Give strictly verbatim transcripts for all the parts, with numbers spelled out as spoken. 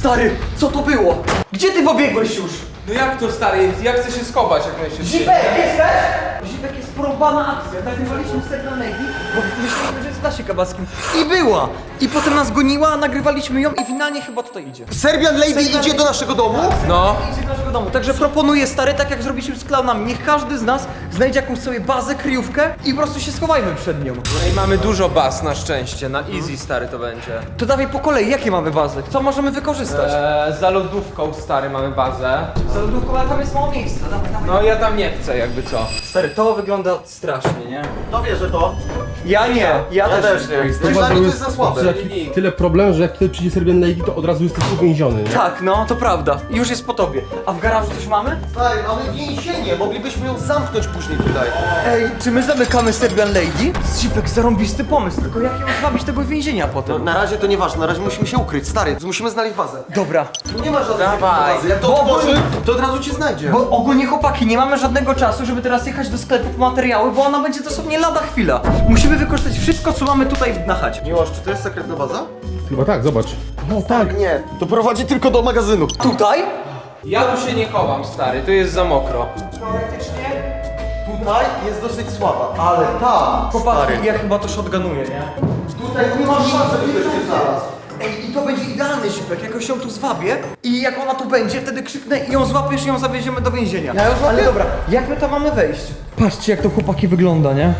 Stary, co to było? Gdzie ty pobiegłeś już? No jak to, stary? Ja chcę się schować jak najszybciej. Zipek, jesteś? Zipek, jest porąbana akcja. Nagrywaliśmy ser na Navy, bo myśleliśmy, że jest w Dasie Kabackim. I była! I potem nas goniła, nagrywaliśmy ją i finalnie chyba tutaj idzie. Serbian Lady Serbian idzie do naszego domu? No. Idzie do naszego domu. Także proponuję, stary, tak jak zrobiliśmy z klaunami, niech każdy z nas znajdzie jakąś sobie bazę, kryjówkę i po prostu się schowajmy przed nią. No i mamy dużo baz na szczęście, na easy, stary, to będzie. To dawaj po kolei, jakie mamy bazy? Co możemy wykorzystać? Eee, za lodówką, stary, mamy bazę. Za lodówką, ale tam jest mało miejsca. Dawaj, dawaj. No ja tam nie chcę, jakby co. Stary, to wygląda strasznie, nie? No wie, że to. Ja nie, ja, Ja też, też nie. nie. Dla mnie to jest za słabe. Jak tyle problemów, że jak tutaj przyjdzie Serbian Lady, to od razu jesteś uwięziony, nie? Tak, no, to prawda. Już jest po tobie. A w garażu coś mamy? Stary, mamy więzienie, moglibyśmy ją zamknąć później tutaj. Ej, czy my zamykamy Serbian Lady? Zipek, zarąbisty pomysł, tylko jak ją zwabić tego więzienia No, potem? na razie to nieważne, na razie musimy się ukryć, stary, musimy znaleźć bazę. Dobra. Tu nie ma żadnej Dawaj. bazy, jak to Bo- otworzy, to od razu cię znajdzie. Bo ogólnie chłopaki, nie mamy żadnego czasu, żeby teraz jechać do sklepu po materiały, bo ona będzie dosłownie lada chwila. Musimy wykorzystać wszystko, co mamy tutaj na chacie. Miłosz, czy to jest sekretna baza? Chyba tak, zobacz. No tak. Nie, to prowadzi tylko do magazynu. Tutaj? Ja tu się nie chowam, stary, tu jest za mokro. Teoretycznie. Tutaj jest dosyć słaba, ale tam, Chłopaki, stary, ja chyba to shotgunuję, nie? tutaj nie ma szans, żeby ktoś nie znalazł. Ej, i to będzie idealny Zipek, jakoś ją tu zwabię i jak ona tu będzie, wtedy krzyknę i ją złapiesz i ją zawieziemy do więzienia. Ja ją złapię? Ale dobra, jak my tam mamy wejść? Patrzcie, jak to chłopaki wygląda, nie?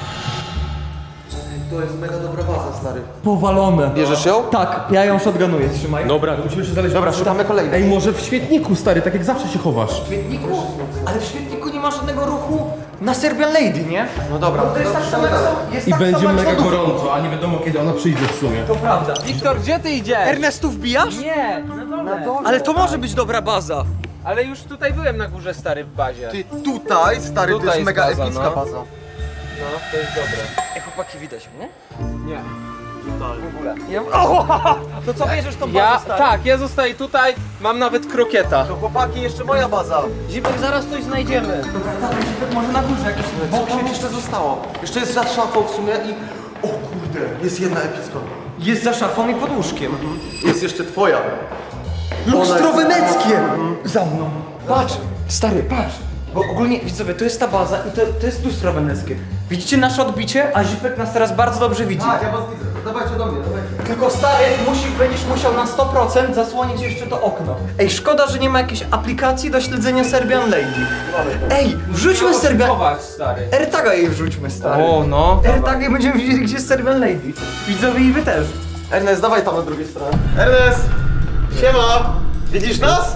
To jest mega dobra baza, stary. Powalone. Bierzesz ją? Tak, ja ją shotgunuję, trzymaj. Dobra, to musimy się znaleźć. Dobra, szukamy kolejnej. Ej, może w świetniku, stary, tak jak zawsze się chowasz. W świetniku? Ale w świetniku nie ma żadnego ruchu na Serbian Lady, nie? No dobra, Bo to jest tak samo jak są, jest I tak będzie samo jak mega z lodówką. gorąco, a nie wiadomo kiedy ona przyjdzie w sumie. To prawda. Wiktor, gdzie ty idziesz? Ernestu, wbijasz? Nie, na dole. Ale to może być dobra baza. Ale już tutaj byłem na górze, stary, w bazie. Ty tutaj, stary, to Tutaj jest jest mega baza, epicka no. baza. No, to jest dobre. Ej, chłopaki, widać mnie? Nie. W ogóle. Ja... O, to co bierzesz tą bazę, Ja, stary? tak, ja zostaję tutaj, mam nawet krokieta. To chłopaki, jeszcze moja baza. Zipek, zaraz coś znajdziemy. Dobra, dawaj, Zipek, może na górze jakieś... Co tam jeszcze zostało? Jeszcze jest za szafą w sumie i... O kurde, jest jedna epicka. Jest za szafą i pod łóżkiem. Jest jeszcze twoja. Lustro Ona jest- weneckie! Za mną. Patrz, stary, patrz. Bo ogólnie, widzowie, to jest ta baza i to, to jest lustro weneckie. Widzicie nasze odbicie? A Zipek nas teraz bardzo dobrze widzi. Tak, ja was widzę. Dawajcie do mnie, dawajcie. Tylko stary, musisz, będziesz musiał na sto procent zasłonić jeszcze to okno. Ej, szkoda, że nie ma jakiejś aplikacji do śledzenia Serbian Lady. Ej, wrzućmy Serbian... Chować, stary. AirTaga jej wrzućmy, stary. O, no. AirTaga i będziemy wiedzieli, gdzie jest Serbian Lady. Widzowie i wy też. Ernest, dawaj tam na drugiej stronie. Ernest! Siema! Widzisz nas?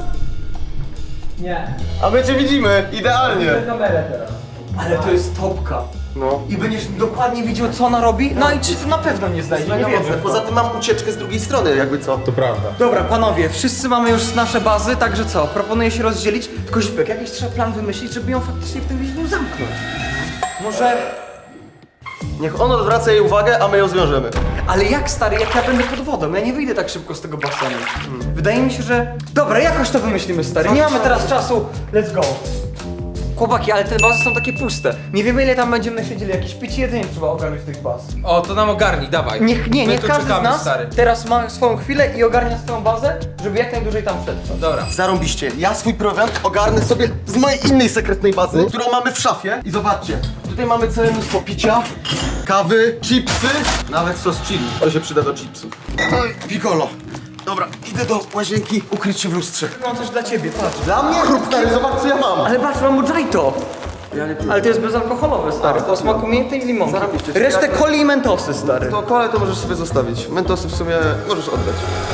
Nie. A my cię widzimy, idealnie. Kamerę teraz. Ale to jest topka. No. I będziesz dokładnie widział, co ona robi? No i czy to na pewno nie znajdzie, nie Mega wiem. mocne. Poza tym mam ucieczkę z drugiej strony, jakby co. To prawda. Dobra, panowie, wszyscy mamy już nasze bazy, także co? Proponuję się rozdzielić. Tylko Zipek, jakiś trzeba plan wymyślić, żeby ją faktycznie w tym więzieniu zamknąć. Może... Niech on odwraca jej uwagę, a my ją zwiążemy. Ale jak, stary, jak ja będę pod wodą? Ja nie wyjdę tak szybko z tego basenu. Hmm. Wydaje mi się, że... Dobra, jakoś to wymyślimy, stary. Nie mamy teraz czasu. Let's go. Chłopaki, ale te bazy są takie puste. Nie wiemy, ile tam będziemy siedzieli. Jakieś picie jedzenie trzeba ogarnąć z tych baz. O, to nam ogarnij, dawaj. Niech, nie, My niech tu każdy z czekamy, nas stary. teraz ma swoją chwilę i ogarnia swoją bazę, żeby jak najdłużej tam przetrwać. Dobra. Zarąbiście. Ja swój prowiant ogarnę sobie z mojej innej sekretnej bazy, którą mamy w szafie. I zobaczcie, tutaj mamy całe mnóstwo picia, kawy, chipsy, nawet sos chili. To się przyda do chipsów. Oj, piccolo. Dobra, idę do łazienki ukryć się w lustrze. Mam coś dla ciebie, patrz. Dla mnie? Stary, zobacz co ja mam. Ale patrz, mam mojito. Ja nie piję. Ale to jest bezalkoholowe, stary. To smaku mięty i limonki. Zarobiście. Resztę coli i mentosy, stary. To kole to możesz sobie zostawić. Mentosy w sumie możesz oddać.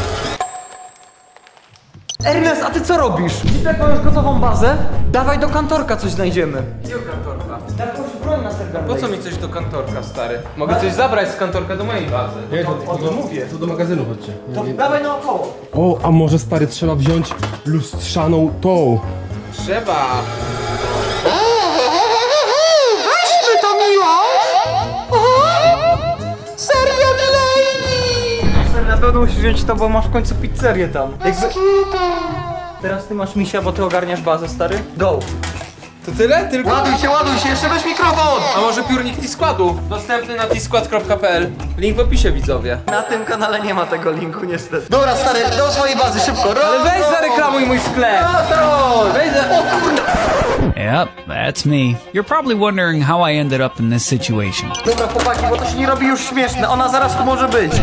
Ernest, a ty co robisz? Jak mam już gotową bazę, dawaj do kantorka coś znajdziemy. Gdzie kantorka? Daj jakąś broń na Serbian Po co mi coś do kantorka, stary? Mogę coś zabrać z kantorka do mojej bazy. Nie, to, O tym mówię. to do magazynu chodźcie. To dawaj naokoło. O, a może stary trzeba wziąć lustrzaną tą. Trzeba. Weźmy to miło! Serbian Lady! Stary, na pewno musisz wziąć to, bo masz w końcu pizzerię tam. Jakby... Teraz ty masz misia, bo ty ogarniasz bazę, stary. Go! To tyle? Tylko? Ładuj się, ładuj się, jeszcze weź mikrofon! A może piórnik T-Składu? Dostępny na t skład kropka p l. Link w opisie, widzowie. Na tym kanale nie ma tego linku niestety. Dobra, stary, do swojej bazy, szybko. Ale weź zareklamuj mój sklep! Weź za... Yep, that's me. You're probably wondering how I ended up in this situation. Dobra chłopaki, bo to się nie robi już śmieszne, ona zaraz tu może być.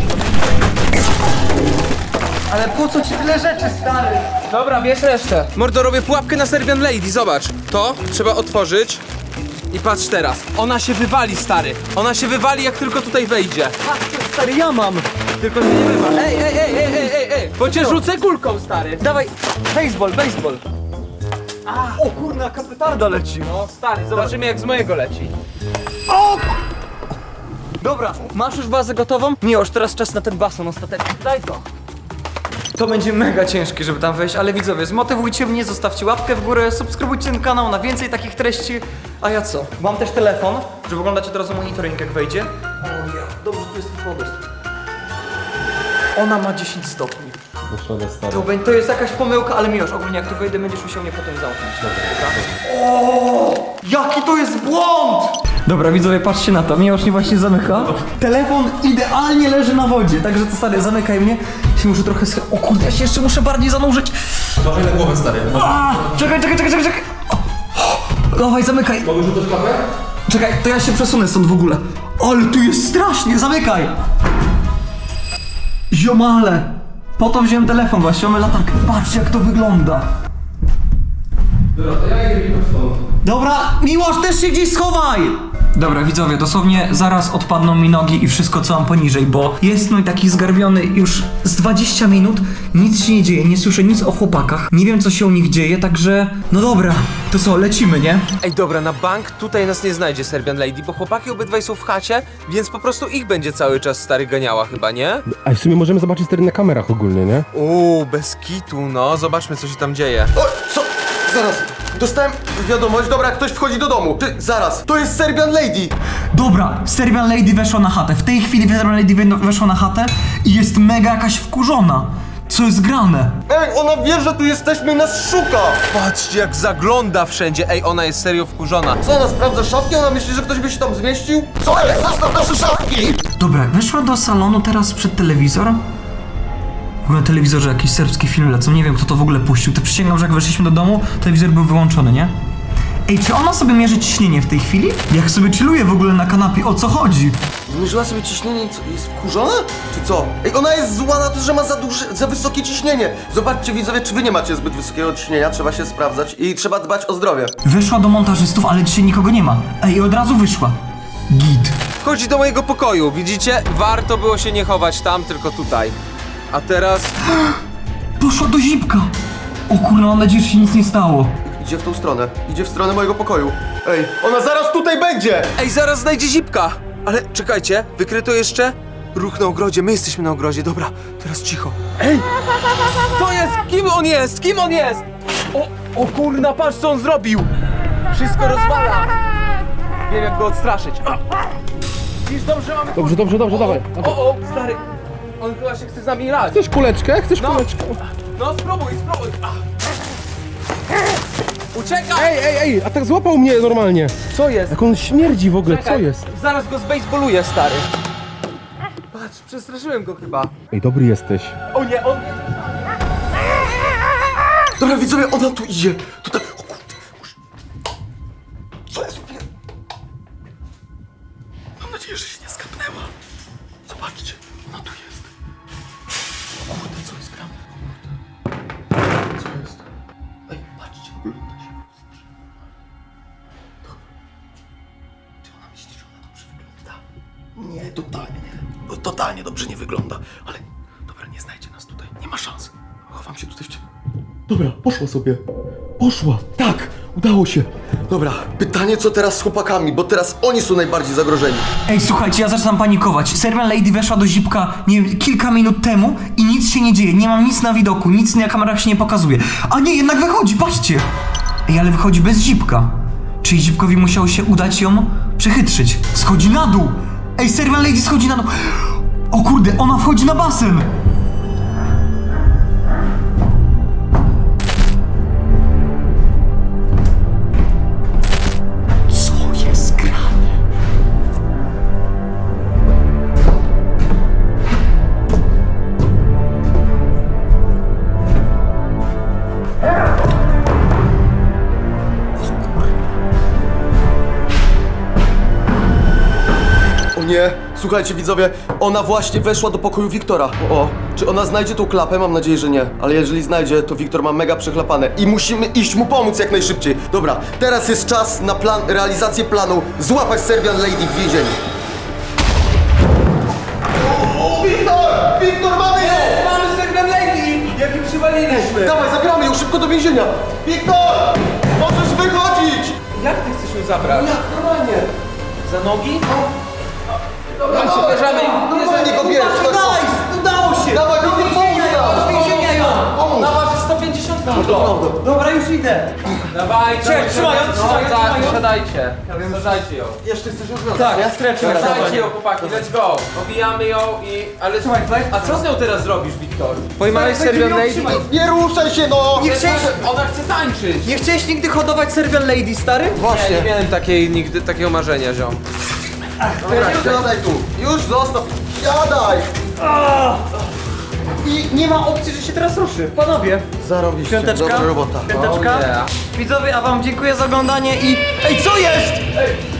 Ale po co ci tyle rzeczy, stary? Dobra, bierz resztę. Mordo, robię pułapkę na Serbian Lady, zobacz. To trzeba otworzyć. I patrz teraz. Ona się wywali, stary. Ona się wywali, jak tylko tutaj wejdzie. Patrz, stary, ja mam. Tylko się nie wywal. Ej, ej, ej, ej, ej, ej, ej. Bo cię rzucę kulką, stary. Dawaj, baseball, baseball. O kurna, jaka petarda leci. No, stary, zobaczymy jak z mojego leci. Dobra, masz już bazę gotową? Nie, już teraz czas na ten basen ostateczny. Daj to. To będzie mega ciężkie, żeby tam wejść, ale widzowie, zmotywujcie mnie, zostawcie łapkę w górę, subskrybujcie ten kanał na więcej takich treści. A ja co? Mam też telefon, żeby oglądać od razu monitoring, jak wejdzie. O ja, dobrze, tu jest woda. Ona ma dziesięć stopni. To, bę- to jest jakaś pomyłka, ale Miłosz, ogólnie jak tu wejdę, będziesz musiał mnie potem zamknąć. Dobra. O, jaki to jest błąd! Dobra, widzowie, patrzcie na to. Miłosz mnie właśnie zamyka. Telefon idealnie leży na wodzie, także to stary, zamykaj mnie. Się muszę trochę sch... O kurde, ja się jeszcze muszę bardziej zanurzyć. Dawaj na głowę, stary. A, czekaj, czekaj, czekaj, czekaj, czekaj. O, dawaj, zamykaj. Mogę rzucać kawę? Czekaj, to ja się przesunę stąd w ogóle. Ale tu jest strasznie, zamykaj. Ziomale. Po to wziąłem telefon właśnie, mamy latarkę. Patrzcie jak to wygląda. Dobra, to ja idę mi stąd. Dobra, Miłosz, też się gdzieś schowaj! Dobra, widzowie, dosłownie zaraz odpadną mi nogi i wszystko co mam poniżej, bo jest mój taki zgarbiony już z dwadzieścia minut, nic się nie dzieje, nie słyszę nic o chłopakach, nie wiem co się u nich dzieje, także no dobra, to co, lecimy, nie? Ej, dobra, na bank tutaj nas nie znajdzie Serbian Lady, bo chłopaki obydwaj są w chacie, więc po prostu ich będzie cały czas stary ganiała chyba, nie? A w sumie możemy zobaczyć stary na kamerach ogólnie, nie? Uuu, bez kitu, no, zobaczmy co się tam dzieje. O, co? Zaraz. Dostałem wiadomość, dobra, ktoś wchodzi do domu. Ty, zaraz. To jest Serbian Lady. Dobra, Serbian Lady weszła na chatę, w tej chwili Serbian Lady we- weszła na chatę i jest mega jakaś wkurzona. Co jest grane? Ej, ona wie, że tu jesteśmy i nas szuka. Patrzcie jak zagląda wszędzie, ej, ona jest serio wkurzona. Co, ona sprawdza szafki? Ona myśli, że ktoś by się tam zmieścił? Co jest? Zostaw nasze szafki! Dobra, weszła do salonu teraz przed telewizor. W ogóle na telewizorze jakiś serbski film lecą, nie wiem kto to w ogóle puścił. To przysięgam, że jak weszliśmy do domu, telewizor był wyłączony, nie? Ej, czy ona sobie mierzy ciśnienie w tej chwili? Jak sobie chilluje w ogóle na kanapie, o co chodzi? Zmierzyła sobie ciśnienie i co, jest wkurzona? Czy co? Ej, ona jest zła na to, że ma za duże, za wysokie ciśnienie. Zobaczcie widzowie, czy wy nie macie zbyt wysokiego ciśnienia, trzeba się sprawdzać i trzeba dbać o zdrowie. Weszła do montażystów, ale dzisiaj nikogo nie ma. Ej, i od razu wyszła. Git. Wchodzi do mojego pokoju, widzicie? Warto było się nie chować tam, tylko tutaj. A teraz... Poszła do zipka. O kurwa, mam nadzieję, że się nic nie stało. Idzie w tą stronę, idzie w stronę mojego pokoju. Ej, ona zaraz tutaj będzie! Ej, zaraz znajdzie zipka! Ale czekajcie, wykryto jeszcze ruch na ogrodzie, my jesteśmy na ogrodzie, dobra, teraz cicho. Ej! Co jest? Kim on jest? Kim on jest? O, o kurna, patrz co on zrobił! Wszystko rozwala! Wiem jak go odstraszyć. A. Widzisz, dobrze mamy... Dobrze, dobrze, dobrze, dawaj. O, o, stary! On chyba się chce z nami grać. Chcesz kuleczkę? Chcesz No. kuleczkę? No spróbuj, spróbuj! A. Uciekaj! Ej, ej, ej, a tak złapał mnie normalnie. Co jest? Jak on śmierdzi w ogóle, co Czekaj, jest? Zaraz go zbejsboluję, stary. Patrz, przestraszyłem go chyba. Ej, dobry jesteś. O nie, on... Dobra widzowie, ona tu idzie. Tutaj, o kurde. Co jest? Mam nadzieję, że się nie skapnęła. Zobaczcie, ona tu jest. O kurde, co jest grane? Co jest? Ej, patrzcie, ogląda się. Dobra. Czy ona myśli, że ona dobrze wygląda? Nie, totalnie nie. No, totalnie dobrze nie wygląda. Ale, dobra, nie znajdzie nas tutaj. Nie ma szans. Chowam się tutaj w ciemno. Dobra, poszła sobie. Poszła. Tak, udało się. Dobra, pytanie co teraz z chłopakami, bo teraz oni są najbardziej zagrożeni. Ej, słuchajcie, ja zaczynam panikować. Serbian Lady weszła do zipka, nie wiem, kilka minut temu i nic się nie dzieje. Nie mam nic na widoku, nic na kamerach się nie pokazuje. A nie, jednak wychodzi, patrzcie. Ej, ale wychodzi bez zipka. Czyli zipkowi musiało się udać ją przechytrzyć. Schodzi na dół. Ej, Serbian Lady schodzi na dół. O kurde, ona wchodzi na basen. Słuchajcie widzowie, ona właśnie weszła do pokoju Wiktora. O, o, czy ona znajdzie tą klapę? Mam nadzieję, że nie. Ale jeżeli znajdzie, to Wiktor ma mega przechlapane i musimy iść mu pomóc jak najszybciej. Dobra, teraz jest czas na plan, realizację planu złapać Serbian Lady w więzieniu. O, Wiktor! Wiktor, mamy ją! Mamy Serbian Lady! Jak im przywaliliśmy! Dawaj, zabieramy ją szybko do więzienia! Wiktor! Możesz wychodzić! Jak ty chcesz ją zabrać? Jak normalnie? Za nogi? Dobra, bierzemy. Normalnie go bierz! Nice! Udało się! Dawaj, Wiktor, pomóż nam! Więzienia ją! Pomóż! Ona waży sto pięćdziesiąt kilo. Dobra, już idę. Dawajcie, Trzymaj, trzymaj ją, trzymaj ją, trzymaj ją. Siadajcie, siadajcie ją. Jeszcze chcesz ją związać, Tak, nie? ja streczę. Siadajcie ją, chłopaki, let's go. Obijamy ją i... Ale Trzymaj, tutaj. A co z nią teraz zrobisz, Wiktor? Pojmałeś Serbian Lady? Nie ruszaj się, no! Nie chciałeś, Ona chce tańczyć. nie chciałeś nigdy hodować Serbian Lady, stary? Nie, nie Właśnie. miałem takiej, nigdy takiego marzenia, ziom. Dobra, siadaj tu. Już zostaw. Siadaj! I nie ma opcji, że się teraz ruszy. Panowie, Zarobiście. piąteczka, Dobra robota. piąteczka. Oh, yeah. Widzowie, a wam dziękuję za oglądanie i... Ej, co jest?